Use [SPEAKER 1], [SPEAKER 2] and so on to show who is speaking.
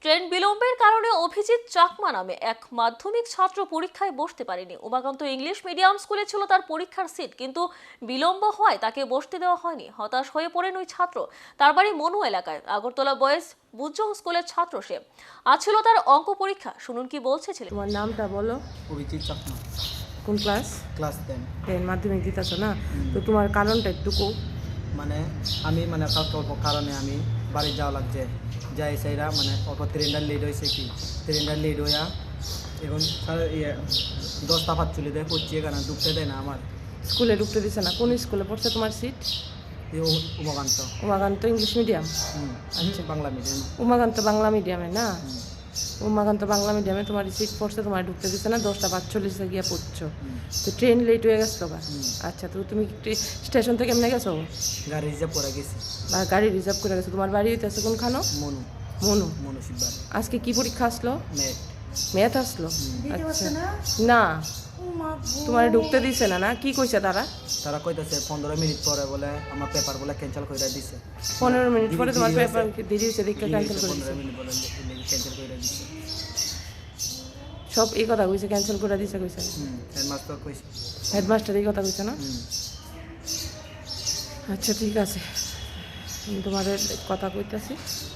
[SPEAKER 1] Train বিলম্বের কারণে অভিজিৎ চাকমা নামে এক মাধ্যমিক ছাত্র পরীক্ষায় বসতে পারেনি। উমাকান্ত ইংলিশ মিডিয়াম স্কুলে ছিল তার পরীক্ষার সিট, কিন্তু বিলম্ব হওয়ায় তাকে বসতে দেওয়া হয়নি। হতাশ হয়ে পড়েন ওই ছাত্র। তার বাড়ি মনু এলাকায়। আগরতলা বয়েজ বুজং স্কুলের ছাত্র সে। আজ ছিল তার অঙ্ক পরীক্ষা। শুনুন কি বলছে ছেলে।
[SPEAKER 2] তোমার নামটা বলো।
[SPEAKER 3] অভিজিৎ চাকমা।
[SPEAKER 2] কোন ক্লাস?
[SPEAKER 3] ক্লাস 10।
[SPEAKER 2] মাধ্যমিক দিতেছো না? তো তোমার কারণটা একটু
[SPEAKER 3] মানে আমি কালকে অল্প কারণে আমি বাড়ি যাওয়া লাগছে, যাই সেইরা অল্প ট্রেনটা লেট হয়েছে, কি ট্রেনটা লেট হইয়া এখন 10টা 45 দেয় পড়ছি, এখানে ঢুকতে দেয় না আমার।
[SPEAKER 2] স্কুলে ঢুকতে দিছে না? কোন স্কুলে পড়ছে তোমার সিট?
[SPEAKER 3] উমাকান্ত।
[SPEAKER 2] Umakanta English medium?
[SPEAKER 3] আচ্ছা, বাংলা মিডিয়াম।
[SPEAKER 2] উমাকান্ত বাংলা মিডিয়ামে না? উমাকান্ত বাংলা মিডিয়ামে তোমার সিট পড়ছে, তোমার ঢুকতে দিচ্ছে না, 10টা 45 গিয়ে পড়ছো। তো ট্রেন লেট হয়ে গেছিলো বা? আচ্ছা, তো তুমি স্টেশন থেকে এমনি গেছো?
[SPEAKER 3] গাড়ি রিজার্ভ করে গেছি।
[SPEAKER 2] বা গাড়ি রিজার্ভ করে গেছো? তোমার বাড়ি হইতেছে কোনখানো?
[SPEAKER 3] মনু।
[SPEAKER 2] মনু।
[SPEAKER 3] মনু শিববার।
[SPEAKER 2] আজকে কি পরীক্ষা আসলো?
[SPEAKER 3] ম্যাথ।
[SPEAKER 2] ম্যাথ আসলো? আচ্ছা, না তোমার ঢুকতে দিছে না? না কি কইছে
[SPEAKER 3] তারা কইতাছে 15 মিনিট পরে বলে আমার পেপার বলে ক্যান্সেল করে দিছে।
[SPEAKER 2] 15 মিনিট পরে তোমার পেপার দেরি হয়েছে দেখে ক্যান্সেল করে দিছে।
[SPEAKER 3] 15 মিনিট বলে ক্যান্সেল করে দিছে।
[SPEAKER 2] সব এই কথা কইছে, ক্যান্সেল করে দিছে কইছে?
[SPEAKER 3] হেডমাস্টার কইছে।
[SPEAKER 2] হেডমাস্টার এই কথা কইছে না? আচ্ছা ঠিক আছে, আমি তোমার কথা কইতাছি।